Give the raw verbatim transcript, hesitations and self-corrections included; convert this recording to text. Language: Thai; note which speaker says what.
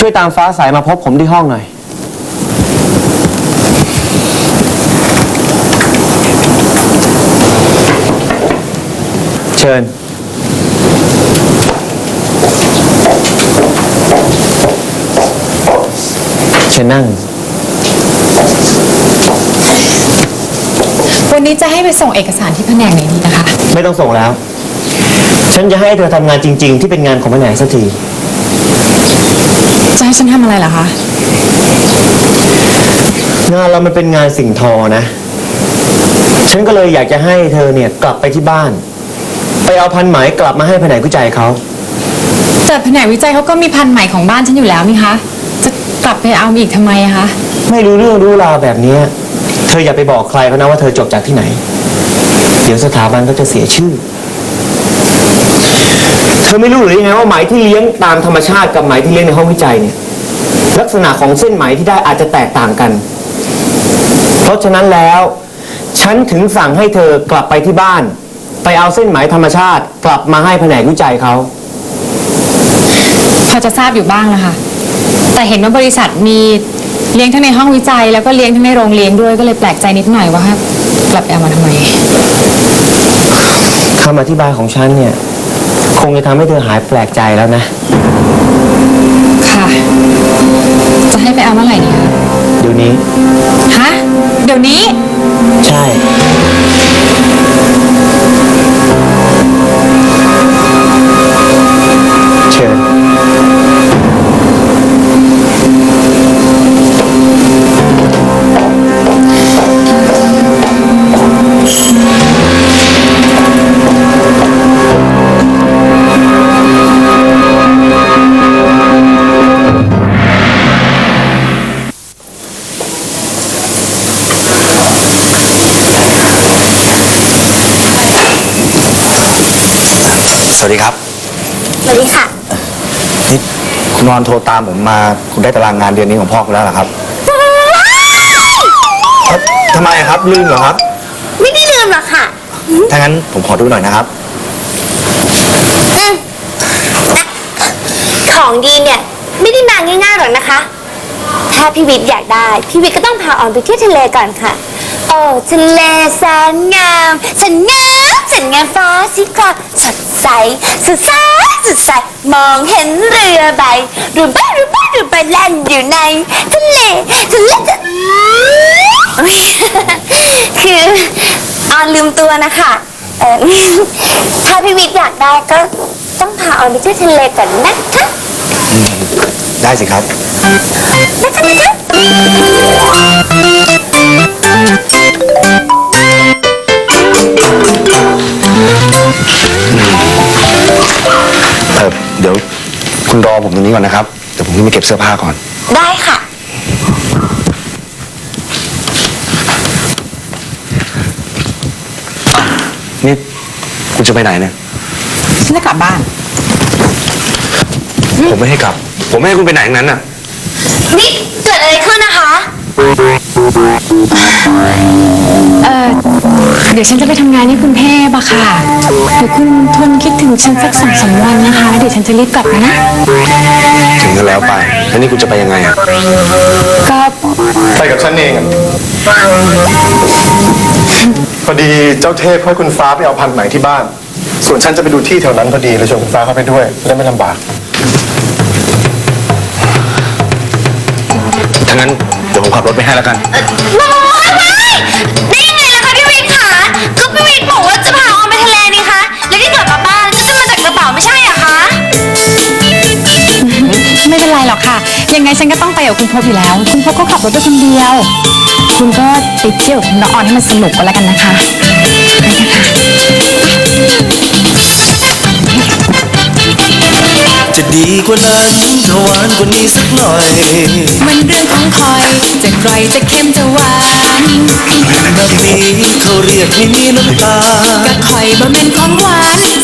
Speaker 1: วยตามฟ้าใสมาพบผมที่ห้องหน่อยเชิญเชิญนั่ง
Speaker 2: วันนี้จะให้ไปส่งเอกสารที่แผนกไหนดีนะคะ
Speaker 1: ไม่ต้องส่งแล้วฉันจะให้เธอทำงานจริงๆที่เป็นงานของแผนกสักที
Speaker 2: จะให้ฉันทำอะไรเหรอคะ
Speaker 1: งานเรามันเป็นงานสิ่งทอนะฉันก็เลยอยากจะให้เธอเนี่ยกลับไปที่บ้านไปเอาพันไหมกลับมาให้แผนกวิจัยเขา
Speaker 2: แต่แผนกวิจัยเขาก็มีพันไหมของบ้านฉันอยู่แล้วนี่คะจะกลับไปเอาอีกทำไมอะคะ
Speaker 1: ไม่รู้เรื่องรู้ราวแบบนี้เธออย่าไปบอกใครเขานะว่าเธอจบจากที่ไหนเดี๋ยวสถาบันก็จะเสียชื่อเธอไม่รู้หรือยังไงว่าไหมที่เลี้ยงตามธรรมชาติกับไหมที่เลี้ยงในห้องวิจัยเนี่ยลักษณะของเส้นไหมที่ได้อาจจะแตกต่างกันเพราะฉะนั้นแล้วฉันถึงสั่งให้เธอกลับไปที่บ้านไปเอาเส้นไหมธรรมชาติกลับมาให้แผนกวิจัยเขา
Speaker 2: พอจะทราบอยู่บ้างนะคะแต่เห็นว่าบริษัทมีเลี้ยงทั้งในห้องวิจัยแล้วก็เลี้ยงทั้งในโรงเลี้ยงด้วยก็เลยแปลกใจนิดหน่อยว่ากลับไปเอามาทำไม
Speaker 1: คำอธิบายของฉันเนี่ยคงจะทำให้เธอหายแปลกใจแล้วนะ
Speaker 2: ค่ะจะให้ไปเอาเมื่อไหร่ดีคะ
Speaker 1: เดี๋ยวนี้
Speaker 2: ฮะเดี๋ยวนี้
Speaker 1: ใช่เชิญ
Speaker 3: สวัสดีครับ
Speaker 4: สวัสดีค่ะ
Speaker 3: นี่คุณนอนโทรตามผมมาคุณได้ตารางงานเดือนนี้ของพ่อคุณแล้วเหรอครับทำไมครับลืมเหรอครับ
Speaker 4: ไม่ได้ลืมหรอกค่ะ
Speaker 3: ถ้างั้นผมขอดูหน่อยนะครับ
Speaker 4: ของดีเนี่ยไม่ได้มาง่ายๆหรอกนะคะถ้าพี่วิทย์อยากได้พี่วิทย์ก็ต้องพาออนไปเที่ยวทะเลก่อนค่ะโอ้ทะเลแสนงามแสนงามแสนงามฟ้าสีครามสดใสสดใสสดใสมองเห็นเรือใบเรือใบเรือใบเรือใบแล่นอยู่ในทะเลทะเลคือออนลืมตัวนะคะเออถ้าพี่วิทย์อยากได้ก็ต้องพาออนไปเที่ยวทะเลก่อนนะคะ
Speaker 3: ได้สิครับ
Speaker 4: นะคะนะคะ
Speaker 3: เออเดี๋ยวคุณรอผมตรงนี้ก่อนนะครับเดี๋ยวผมขึ้นไปเก็บเสื้อผ้าก่อน
Speaker 4: ได้ค่ะ
Speaker 3: นี่คุณจะไปไหนเนี่ย
Speaker 2: ฉันจะกลับบ้าน
Speaker 3: ผมไม่ให้กลับผมไม่ให้คุณไปไหนอย่างนั้นน่ะ
Speaker 4: นี่เกิดอะไรขึ้นนะคะ
Speaker 2: เออเดี๋ยวฉันจะไปทำงานที่กรุงเทพอะค่ะเดี๋ยวคุณทนคิดถึงฉันสักสองสามวันนะคะเดี๋ยวฉันจะรีบกลับนะ
Speaker 3: ถึงก็แล้วไปแล้วนี่คุณจะไปยังไงอะ
Speaker 2: ก็
Speaker 5: ไปกับฉันเองพอดีเจ้าเทพให้คุณฟ้าไปเอาพันธุ์ไหมที่บ้านส่วนฉันจะไปดูที่แถวนั้นพอดีเลยชวนคุณฟ้าเข้าไปด้วยจะได้ไม่ลำบาก
Speaker 3: ถ้างั้นเดี๋ยวผมขับรถไปให้แล้วกัน
Speaker 4: ได้ยังไงล่ะคะพี่วิทย์คะก็พี่วิทย์บอกว่าจะพาออนไปทะเลนี่คะแล้วที่กลับมาบ้านก็จะมาจากกระเป๋าไม่ใช่เหรอคะ
Speaker 2: ไม่เป็นไรหรอกค่ะยังไงฉันก็ต้องไปกับคุณพบอยู่แล้วคุณพบก็ขับรถด้วยคนเดียวคุณก็ไปเที่ยวกับน้องออนให้มันสนุกก็แล้วกันนะคะไปกันค่ะ
Speaker 6: จะดีกว่านั้นถ้าหวานกว่านี้สักหน่อย
Speaker 2: มันเรื่องของคอยจะกร่อยจะเค็มจะหวาน
Speaker 6: แบบนี้เขาเรียกไม่มีน้ำตา
Speaker 2: ก็คอยบ่แม่นของหวาน